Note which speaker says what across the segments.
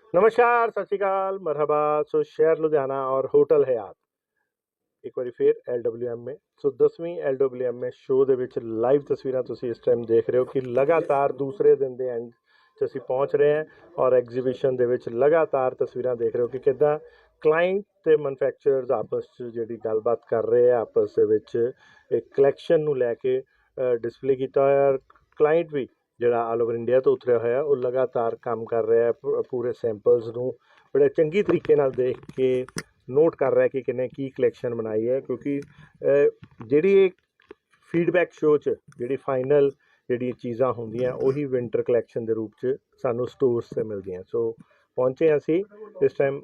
Speaker 1: नमस्कार, सत श्री अकाल, मरहबा। सो शहर लुधियाना और होटल हयात एक बारी फिर LWM में। सो 10वीं LWM में शो ਦੇ ਵਿੱਚ ਲਾਈਵ ਤਸਵੀਰਾਂ ਤੁਸੀਂ ਇਸ ਟਾਈਮ ਦੇਖ ਰਹੇ ਹੋ ਕਿ ਲਗਾਤਾਰ ਦੂਸਰੇ ਦਿਨ ਦੇ ਐਂਡ 'ਚ ਅਸੀਂ ਪਹੁੰਚ ਰਹੇ ਹਾਂ ਔਰ ਐਗਜ਼ੀਬਿਸ਼ਨ ਦੇ ਵਿੱਚ ਲਗਾਤਾਰ ਤਸਵੀਰਾਂ ਦੇਖ ਰਹੇ ਹੋ ਕਿ ਕਿੱਦਾਂ ਕਲਾਇੰਟ ਤੇ ਮੈਨੂਫੈਕਚਰਰਸ ਆਪਸ 'ਚ ਜਿਹੜੀ ਗੱਲਬਾਤ ਕਰ ਰਹੇ ਆ ਆਪਸ ਦੇ ਵਿੱਚ ਇੱਕ ਕਲੈਕਸ਼ਨ ਨੂੰ ਲੈ ਕੇ ਡਿਸਪਲੇ ਕੀਤਾ ਹੋਇਆ ਔਰ ਕਲਾਇੰਟ ਵੀ ਜਿਹੜਾ ਆਲ ਓਵਰ ਇੰਡੀਆ ਤੋਂ ਉਤਰਿਆ ਹੋਇਆ ਉਹ ਲਗਾਤਾਰ ਕੰਮ ਕਰ ਰਿਹਾ ਪੂਰੇ ਸੈਂਪਲਸ ਨੂੰ ਬੜੇ ਚੰਗੀ ਤਰੀਕੇ ਨਾਲ ਦੇਖ ਕੇ ਨੋਟ ਕਰ ਰਿਹਾ ਕਿ ਕਿੰਨੇ ਕੀ ਕਲੈਕਸ਼ਨ ਬਣਾਈ ਹੈ ਕਿਉਂਕਿ ਜਿਹੜੀ ਇਹ ਫੀਡਬੈਕ ਸ਼ੋ 'ਚ ਜਿਹੜੀ ਫਾਈਨਲ ਜਿਹੜੀਆਂ ਚੀਜ਼ਾਂ ਹੁੰਦੀਆਂ ਉਹੀ ਵਿੰਟਰ ਕਲੈਕਸ਼ਨ ਦੇ ਰੂਪ 'ਚ ਸਾਨੂੰ ਸਟੋਰਸ 'ਤੇ ਮਿਲਦੀਆਂ। ਸੋ ਪਹੁੰਚੇ ਅਸੀਂ ਇਸ ਟਾਈਮ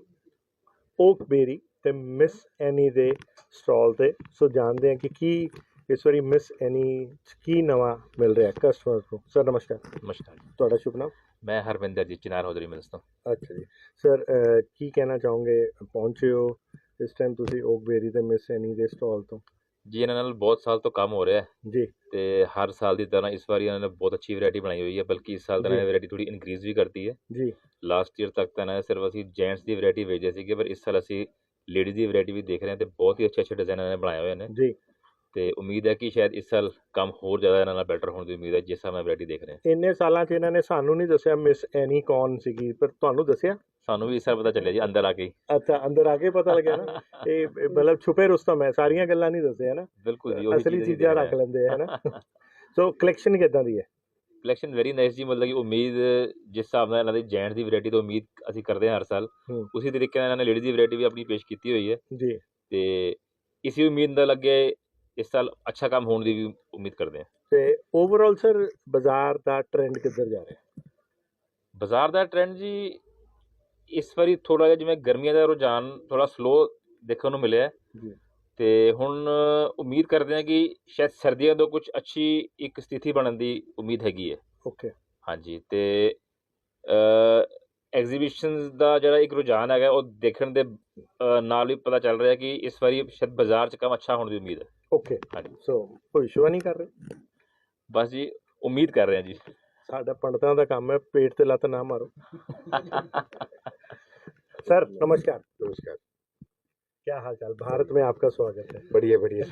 Speaker 1: ਓਕਬੇਰੀ ਤੇ ਮਿਸ ਐਨੀ ਦੇ ਸਟਾਲ 'ਤੇ। ਸੋ ਜਾਣਦੇ ਹਾਂ ਕਿ ਕੀ ਇਸ ਵਾਰੀ ਮਿਸ ਐਨੀ 'ਚ ਕੀ ਨਵਾਂ ਮਿਲ ਰਿਹਾ ਕਸਟਮਰ ਨੂੰ। ਸਰ ਨਮਸਕਾਰ।
Speaker 2: ਨਮਸਕਾਰ ਜੀ,
Speaker 1: ਤੁਹਾਡਾ ਸ਼ੁਭ ਨਾਮ?
Speaker 2: ਮੈਂ ਹਰਵਿੰਦਰ ਜੀ, ਚਨਾਰ ਹੌਜ਼ਰੀ ਮਿਲਸ ਤੋਂ।
Speaker 1: ਅੱਛਾ ਜੀ ਸਰ, ਕੀ ਕਹਿਣਾ ਚਾਹੋਗੇ? ਪਹੁੰਚੇ ਹੋ ਇਸ ਟਾਈਮ ਤੁਸੀਂ ਓਕਬੇਰੀ ਤੇ ਮਿਸ ਐਨੀ ਦੇ ਸਟਾਲ ਤੋਂ?
Speaker 2: ਜੀ ਇਹਨਾਂ ਨਾਲ ਬਹੁਤ ਸਾਲ ਤੋਂ ਕੰਮ ਹੋ ਰਿਹਾ ਹੈ
Speaker 1: ਜੀ
Speaker 2: ਤੇ ਹਰ ਸਾਲ ਦੀ ਤਰ੍ਹਾਂ ਇਸ ਵਾਰੀ ਇਹਨਾਂ ਨੇ ਬਹੁਤ ਅੱਛੀ ਵੈਰਾਈਟੀ ਬਣਾਈ ਹੋਈ ਹੈ, ਬਲਕਿ ਇਸ ਸਾਲ ਤਾਂ ਇਹਨਾਂ ਨੇ ਵੈਰਾਈਟੀ ਥੋੜੀ ਇਨਕਰੀਜ਼ ਵੀ ਕਰਤੀ ਹੈ।
Speaker 1: ਜੀ
Speaker 2: ਲਾਸਟ ਈਅਰ ਤੱਕ ਤਾਂ ਇਹਨਾਂ ਨੇ ਸਿਰਫ ਅਸੀਂ ਜੈਂਟਸ ਦੀ ਵੈਰਾਈਟੀ ਵੇਚਦੇ ਸੀਗੇ, ਪਰ ਇਸ ਸਾਲ ਅਸੀਂ ਲੇਡੀਜ਼ ਦੀ ਵੈਰਾਈਟੀ ਵੀ ਦੇਖ ਰਹੇ ਹਾਂ ਤੇ ਬਹੁਤ ਹੀ ਅੱਛੇ ਡਿਜ਼ਾਈਨ ਇਹਨਾਂ ਨੇ ਬਣਾਏ ਹੋਏ ਨੇ
Speaker 1: ਜੀ
Speaker 2: ਤੇ ਉਮੀਦ ਹੈ ਕਿ ਸ਼ਾਇਦ ਇਸ ਸਾਲ ਕੰਮ ਹੋਰ ਜ਼ਿਆਦਾ ਇਹਨਾਂ ਨਾਲ ਬੈਟਰ ਹੋਣ ਦੀ ਉਮੀਦ ਹੈ ਜਿਸ ਹਿਸਾਬ ਨਾਲ ਵੈਰਾਈਟੀ ਦੇਖ ਰਹੇ ਹਾਂ।
Speaker 1: ਇੰਨੇ ਸਾਲਾਂ 'ਚ ਇਹਨਾਂ ਨੇ ਸਾਨੂੰ ਨਹੀਂ ਦੱਸਿਆ ਮਿਸ ਐਨੀ ਕੌਣ ਸੀਗੀ, ਪਰ ਤੁਹਾਨੂੰ ਦੱਸਿਆ?
Speaker 2: ਸਾਨੂੰ ਵੀ ਇਸ ਸਾਲ ਪਤਾ ਚੱਲਿਆ ਜੀ ਅੰਦਰ ਆ ਕੇ ਹੀ।
Speaker 1: ਅੱਛਾ, ਅੰਦਰ ਆ ਕੇ ਪਤਾ ਲੱਗਿਆ ਨਾ। ਇਹ ਮਤਲਬ ਛੁਪੇ ਰੁਸਤਮ ਹੈ, ਸਾਰੀਆਂ ਗੱਲਾਂ ਨਹੀਂ ਦੱਸਿਆ ਨਾ,
Speaker 2: ਬਿਲਕੁਲ ਜੀ, ਉਹੀ
Speaker 1: ਅਸਲੀ
Speaker 2: ਚੀਜ਼ ਅਸੀਂ
Speaker 1: ਚੀਜ਼ਾਂ
Speaker 2: ਦੇਖ ਰਹੇ
Speaker 1: ਰੱਖ
Speaker 2: ਹਾਂ।
Speaker 1: ਲੈਂਦੇ ਹੈ ਨਾ। ਸੋ ਕਲੈਕਸ਼ਨ ਕਿੱਦਾਂ ਦੀ ਹੈ?
Speaker 2: ਕਲੈਕਸ਼ਨ ਵੈਰੀ ਨਾਈਸ ਜੀ, ਮਤਲਬ ਕਿ ਉਮੀਦ ਜਿਸ ਹਿਸਾਬ ਨਾਲ ਇਹਨਾਂ ਦੀ ਜੈਂਟ ਦੀ ਵੈਰਾਈਟੀ ਤੋਂ ਉਮੀਦ ਅਸੀਂ ਕਰਦੇ ਹਾਂ ਹਰ ਸਾਲ, ਉਸੇ ਤਰੀਕੇ ਨਾਲ ਇਹਨਾਂ ਨੇ ਲੇਡੀਜ਼ ਦੀ ਵੈਰਾਈਟੀ ਵੀ ਆਪਣੀ ਪੇਸ਼ ਕੀਤੀ ਹੋਈ ਹੈ
Speaker 1: ਜੀ
Speaker 2: ਤੇ ਇਸੇ ਉਮੀਦ ਨਾਲ ਅੱਗੇ ਇਸ ਸਾਲ ਅੱਛਾ ਕੰਮ ਹੋਣ ਦੀ ਵੀ ਉਮੀਦ ਕਰਦੇ ਹਾਂ।
Speaker 1: ਤੇ ਓਵਰਆਲ ਸਰ ਬਾਜ਼ਾਰ ਦਾ ਟ੍ਰੈਂਡ ਕਿੱਧਰ ਜਾ ਰਿਹਾ?
Speaker 2: ਬਾਜ਼ਾਰ ਦਾ ਟ੍ਰੈਂਡ ਜੀ ਇਸ ਵਾਰੀ ਥੋੜ੍ਹਾ ਜਿਹਾ ਜਿਵੇਂ ਗਰਮੀਆਂ ਦਾ ਰੁਝਾਨ ਥੋੜ੍ਹਾ ਸਲੋ ਦੇਖਣ ਨੂੰ ਮਿਲਿਆ
Speaker 1: ਜੀ
Speaker 2: ਤੇ ਹੁਣ ਉਮੀਦ ਕਰਦੇ ਹਾਂ ਕਿ ਸ਼ਾਇਦ ਸਰਦੀਆਂ ਤੋਂ ਕੁਝ ਅੱਛੀ ਇੱਕ ਸਥਿਤੀ ਬਣਨ ਦੀ ਉਮੀਦ ਹੈਗੀ ਹੈ।
Speaker 1: ਓਕੇ
Speaker 2: ਹਾਂਜੀ, ਤੇ ਐਗਜ਼ੀਬਿਸ਼ਨਸ ਦਾ ਜਿਹੜਾ ਇੱਕ ਰੁਝਾਨ ਹੈਗਾ ਉਹ ਦੇਖਣ ਦੇ ਨਾਲ ਵੀ ਪਤਾ ਚੱਲ ਰਿਹਾ ਕਿ ਇਸ ਵਾਰੀ ਸ਼ਾਇਦ ਬਾਜ਼ਾਰ 'ਚ ਕੰਮ ਅੱਛਾ ਹੋਣ ਦੀ ਉਮੀਦ ਹੈ।
Speaker 1: ਓਕੇ
Speaker 2: ਹਾਂਜੀ,
Speaker 1: ਸੋ ਭਵਿੱਖਬਾਣੀ ਕਰ ਰਹੇ?
Speaker 2: ਬਸ ਜੀ ਉਮੀਦ ਕਰ ਰਹੇ ਹਾਂ ਜੀ।
Speaker 1: ਸਾਡਾ पंडितों का काम है, पेट पे लत ना मारो। सर नमस्कार।
Speaker 3: नमस्कार।
Speaker 1: क्या हाल चाल? भारत में आपका स्वागत है।
Speaker 3: बढ़िया बढ़िया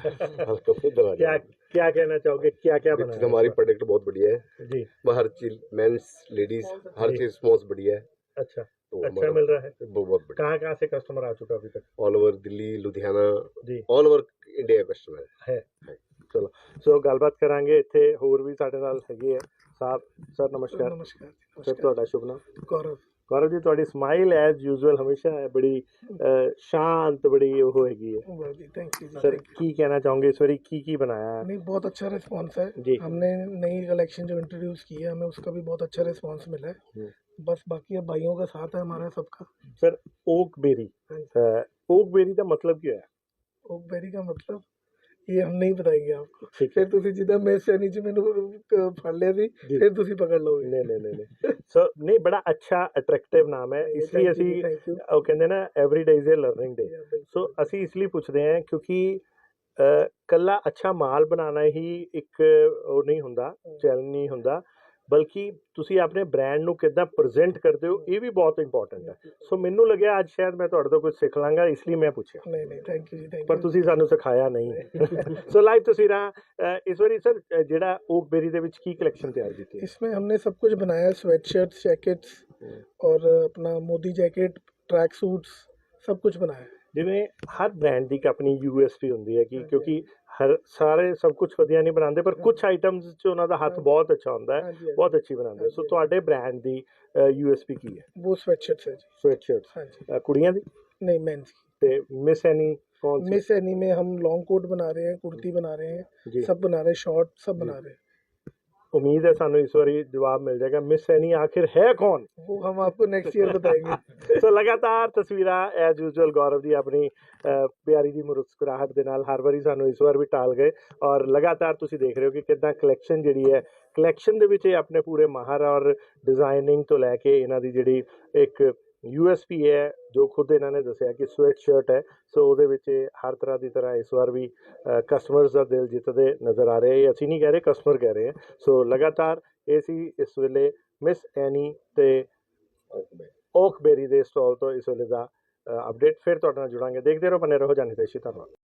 Speaker 1: क्या क्या कहना चाहोगे? क्या क्या बना है?
Speaker 3: हमारी प्रोडक्ट बहुत बढ़िया है
Speaker 1: जी,
Speaker 3: वो हर चीज मेंस लेडीज हर
Speaker 1: जी।
Speaker 3: चीज रिस्पॉन्स बढ़िया है।
Speaker 1: अच्छा
Speaker 3: तो
Speaker 1: अच्छा मिल रहा है।
Speaker 3: बहुत बढ़िया।
Speaker 1: कहाँ कहाँ से कस्टमर आ चुका अभी तक?
Speaker 3: ऑल ओवर दिल्ली, लुधियाना,
Speaker 1: जी
Speaker 3: ऑल ओवर इंडिया कस्टमर
Speaker 1: है। चलो सो ਗੱਲਬਾਤ ਕਰਾਂਗੇ। ਇੱਥੇ ਹੋਰ ਵੀ ਸਾਡੇ ਨਾਲ ਹੈਗੇ ਆ ਸਾਹਿਬ। ਸਰ ਨਮਸਕਾਰ।
Speaker 4: ਨਮਸਕਾਰ
Speaker 1: ਸਰ ਤੁਹਾਡਾ ਸ਼ੁਭ ਨਾਮ?
Speaker 4: ਗੌਰਵ।
Speaker 1: ਗੌਰਵ ਜੀ, ਤੁਹਾਡੀ ਸਮਾਈਲ ਐਜ਼ ਯੂਜ਼ੁਅਲ ਹਮੇਸ਼ਾ ਹੈ ਬੜੀ ਸ਼ਾਂਤ, ਬੜੀ ਉਹ ਹੈਗੀ ਹੈ।
Speaker 4: जी थैंक यू
Speaker 1: सर ਕੀ ਕਹਿਣਾ ਚਾਹੋਗੇ ਇਸ ਵਾਰੀ ਕੀ बनाया है?
Speaker 4: नहीं, बहुत अच्छा रिस्पांस है
Speaker 1: जी।
Speaker 4: हमने नई कलेक्शन जो इंट्रोड्यूस की है हमें उसका भी बहुत अच्छा रिस्पांस मिला है। बस बाकी अब भाइयों का साथ है हमारा सबका।
Speaker 1: सर ओकबेरी, ओकबेरी का मतलब क्या है?
Speaker 4: ओकबेरी का मतलब ये हम नहीं बताएंगे आपको।
Speaker 1: ठीक है।
Speaker 4: फिर ਤੁਸੀਂ ਜਿੱਦਾਂ ਮੈਂ ਸੈਨੀ ਚ ਮੈਨੂੰ ਫੜ ਲਿਆ ਸੀ
Speaker 1: जी।
Speaker 4: ਫਿਰ ਤੁਸੀਂ ਪਕੜ ਲਓਗੇ।
Speaker 1: नहीं नहीं नहीं नहीं सो नहीं, बड़ा अच्छा अट्रैक्टिव नाम है, इसलिए ਅਸੀਂ
Speaker 4: थैंक यू।
Speaker 1: ਉਹ ਕਹਿੰਦੇ ਨਾ every day is a learning day. So ਅਸੀਂ ਇਸ ਲਈ ਪੁੱਛਦੇ ਹਾਂ ਕਿਉਂਕਿ ਕੱਲਾ ਅੱਛਾ ਮਾਲ ਬਣਾਉਣਾ ਹੀ ਇੱਕ ਉਹ ਨਹੀਂ ਹੁੰਦਾ, ਚੈਲੰਜ ਨਹੀਂ ਹੁੰਦਾ, ਬਲਕਿ ਤੁਸੀਂ ਆਪਣੇ ਬ੍ਰਾਂਡ ਨੂੰ ਕਿੱਦਾਂ ਪ੍ਰੈਜ਼ੈਂਟ ਕਰਦੇ ਹੋ ਇਹ ਵੀ ਬਹੁਤ ਇੰਪੋਰਟੈਂਟ ਹੈ। ਸੋ ਮੈਨੂੰ ਲੱਗਿਆ ਅੱਜ ਸ਼ਾਇਦ ਮੈਂ ਤੁਹਾਡੇ ਤੋਂ ਕੁਝ ਸਿੱਖ ਲਾਂਗਾ, ਇਸ ਲਈ ਮੈਂ ਪੁੱਛਿਆ।
Speaker 4: नहीं नहीं थैंक यू जी थैंक
Speaker 1: ਪਰ
Speaker 4: यू।
Speaker 1: ਤੁਸੀਂ ਸਾਨੂੰ ਸਿਖਾਇਆ ਨਹੀਂ। ਸੋ ਲਾਈਵ ਤਸਵੀਰਾਂ ਇਸ ਵਾਰੀ ਸਰ ਜਿਹੜਾ ਓਕਬੇਰੀ ਦੇ ਵਿੱਚ ਕੀ ਕਲੈਕਸ਼ਨ ਤਿਆਰ ਕੀਤੀ ਹੈ?
Speaker 4: इसमें हमने सब कुछ बनाया, स्वेट शर्ट्स, जैकेट्स और अपना मोदी जैकेट, ट्रैक सूट्स, सब कुछ बनाया है।
Speaker 1: ਜਿਵੇਂ ਹਰ ਬ੍ਰਾਂਡ ਦੀ ਇੱਕ ਆਪਣੀ USP ਹੁੰਦੀ ਹੈ ਕਿ ਕਿਉਂਕਿ ਹਰ ਸਾਰੇ ਸਭ ਕੁਝ ਵਧੀਆ ਨਹੀਂ ਬਣਾਉਂਦੇ, ਪਰ ਕੁਝ ਆਈਟਮਸ 'ਚ ਉਹਨਾਂ ਦਾ ਹੱਥ ਬਹੁਤ ਅੱਛਾ ਹੁੰਦਾ ਹੈ,
Speaker 4: हाँ जी, हाँ
Speaker 1: ਬਹੁਤ ਅੱਛੀ ਬਣਾਉਂਦੇ। ਸੋ ਤੁਹਾਡੇ ਬ੍ਰਾਂਡ ਦੀ USP ਕੀ ਹੈ?
Speaker 4: जी। वो स्वेट शर्ट्स है जी।
Speaker 1: ਸਵੈਟ ਸ਼ਰਟਸ
Speaker 4: हाँ जी।
Speaker 1: ਕੁੜੀਆਂ ਦੀ
Speaker 4: नहीं मेंस की।
Speaker 1: ਤੇ ਮਿਸ ਐਨੀ ਕੌਣ ਸੀ?
Speaker 4: मिस एनी में हम लॉन्ग कोट बना रहे हैं, कुर्ती बना रहे हैं,
Speaker 1: जी।
Speaker 4: सब बना रहे हैं, शॉर्ट सब
Speaker 1: जी।
Speaker 4: बना रहे हैं।
Speaker 1: उम्मीद है ਸਾਨੂੰ ਇਸ ਵਾਰੀ ਜਵਾਬ ਮਿਲ ਜਾਏਗਾ। ਮਿਸ ਐਨੀ आखिर है कौन?
Speaker 4: वो हम आपको नेक्स्ट ईयर बताएंगे।
Speaker 1: ਸੋ ਲਗਾਤਾਰ ਤਸਵੀਰਾਂ ਐਜ਼ ਯੂਜੂਅਲ ਗੌਰਵ ਦੀ ਆਪਣੀ ਪਿਆਰੀ ਦੀ ਮੁਸਕਰਾਹਟ ਦੇ ਨਾਲ ਹਰ ਵਾਰੀ ਸਾਨੂੰ ਇਸ ਵਾਰ ਵੀ ਟਾਲ ਗਏ ਔਰ ਲਗਾਤਾਰ ਤੁਸੀਂ ਦੇਖ ਰਹੇ ਹੋ ਕਿ ਕਿੱਦਾਂ ਕਲੈਕਸ਼ਨ ਜਿਹੜੀ ਹੈ, ਕਲੈਕਸ਼ਨ ਦੇ ਵਿੱਚ ਇਹ ਆਪਣੇ ਪੂਰੇ ਮਾਹਰ ਔਰ ਡਿਜ਼ਾਈਨਿੰਗ ਤੋਂ ਲੈ ਕੇ ਇਹਨਾਂ ਦੀ ਜਿਹੜੀ ਇੱਕ USP ਹੈ ਜੋ ਖੁਦ ਇਹਨਾਂ ਨੇ ਦੱਸਿਆ ਕਿ ਸਵੈਟ ਸ਼ਰਟ ਹੈ। ਸੋ ਉਹਦੇ ਵਿੱਚ ਇਹ ਹਰ ਤਰ੍ਹਾਂ ਦੀ ਤਰ੍ਹਾਂ ਇਸ ਵਾਰ ਵੀ ਕਸਟਮਰਸ ਦਾ ਦਿਲ ਜਿੱਤਦੇ ਨਜ਼ਰ ਆ ਰਹੇ। ਅਸੀਂ ਨਹੀਂ ਕਹਿ ਰਹੇ, ਕਸਟਮਰ ਕਹਿ ਰਹੇ ਹੈ। ਸੋ ਲਗਾਤਾਰ ਇਹ ਸੀ ਇਸ ਵੇਲੇ ਮਿਸ ਐਨੀ ਤੇ ਓਕਬੇਰੀ ਦੇ ਸਟਾਲ ਤੋਂ ਇਸ ਵੇਲੇ ਦਾ ਅਪਡੇਟ। ਫਿਰ ਤੁਹਾਡੇ ਨਾਲ ਜੁੜਾਂਗੇ। ਦੇਖਦੇ ਰਹੋ, ਬਨੇ ਰਹੋ, ਜਾਨੀ ਦੇਸ਼ੀ। ਧੰਨਵਾਦ।